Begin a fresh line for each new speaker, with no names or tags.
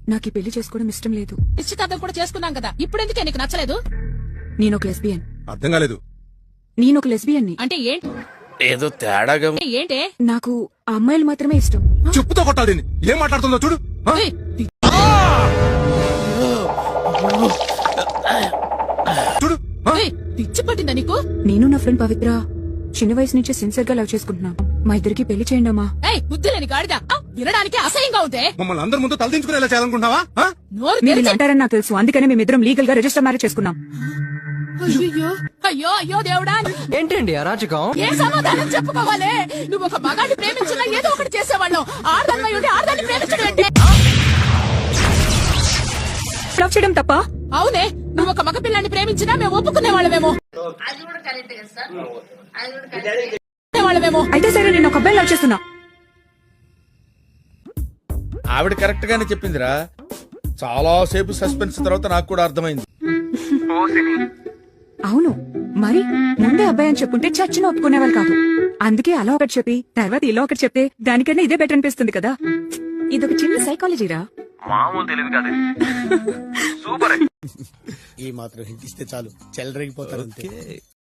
నాకు ఈ పెళ్లి చేసుకోవడం ఇష్టం లేదు.
నిశ్చితార్థం కూడా చేసుకున్నాం కదా, ఇప్పుడు ఎందుకే నీకు నచ్చలేదు?
నేను ఒక లెస్బియన్.
అర్థం కాలేదు.
నేను ఒక లెస్బియన్ ని.
అంటే ఏంటి?
ఏదో తేడాగా
ఏంటే?
నాకు ఆ అమ్మాయిలు మాత్రమే ఇష్టం.
చెప్పుతో కొట్టాలి దీన్ని. ఏం మాట్లాడుతుందో చూడు. ఆ?
ఏయ్,
చూడు. ఆ?
ఏయ్, పిచ్చి పట్టిందా నీకు?
నేను నా ఫ్రెండ్ పవిత్ర చిన్న వయసు నుంచే సిన్సియర్ గా లవ్ చేసుకుంటున్నాం. మా ఇద్దరికి పెళ్లి చేయండి అమ్మా.
ఏయ్, బుద్ధి లేని గాడిద, వినడానికి అసహ్యంగా ఉందే.
మమ్మల్ని అందరి ముందు తలదించుకునేలా చేయాలనుకుంటున్నావా? ఆ?
నోరు
మీరు ఇలా
తెరిచి-
అంటారని నాకు తెలుసు, అందుకనే మేమిద్దరం లీగల్ గా రిజిస్టర్ మ్యారేజ్ చేసుకున్నాం.
అయ్యో అయ్యో అయ్యో దేవుడా,
ఏంటండి అరాచకం?
ఏ సమాధానం చెప్పుకోవాలి? నువ్వు ఒక మగాడిని ప్రేమించినా ఏదో ఒకటి చేసేవాళ్ళం. ఆడదాన్ని ఉండి ఆడదాన్ని ప్రేమించడం ఏంటి?
లవ్ చేయడం తప్ప?
అవునే, నువ్వు ఒక మగ పిల్లాన్ని ప్రేమించినా మేము ఒప్పుకునే వాళ్ళమేమో.
అయితే సరే, నేను ఒక అబ్బాయి లవ్ చేస్తున్నా.
ఆవిడ కరెక్ట్ గానే చెప్పిందిరా. చాలా సేపు సస్పెన్స్ తర్వాత నాకు కూడా అర్థమైంది.
అవును, మరి ముందే అబ్బాయి అని చెప్పుంటే చచ్చిన ఒప్పుకునేవాళ్ళు కాదు. అందుకే అలా ఒకటి చెప్పి తర్వాత ఇలా ఒకటి చెప్తే దానికన్నా ఇదే బెటర్ అనిపిస్తుంది కదా. ఇదొక చిన్న సైకాలజీరా.
మామూలు తెలివి కాదు. సూపర్.
ఈ మాత్రం హింట్ ఇస్తే చాలు చెలరేగిపోతారు అంతే.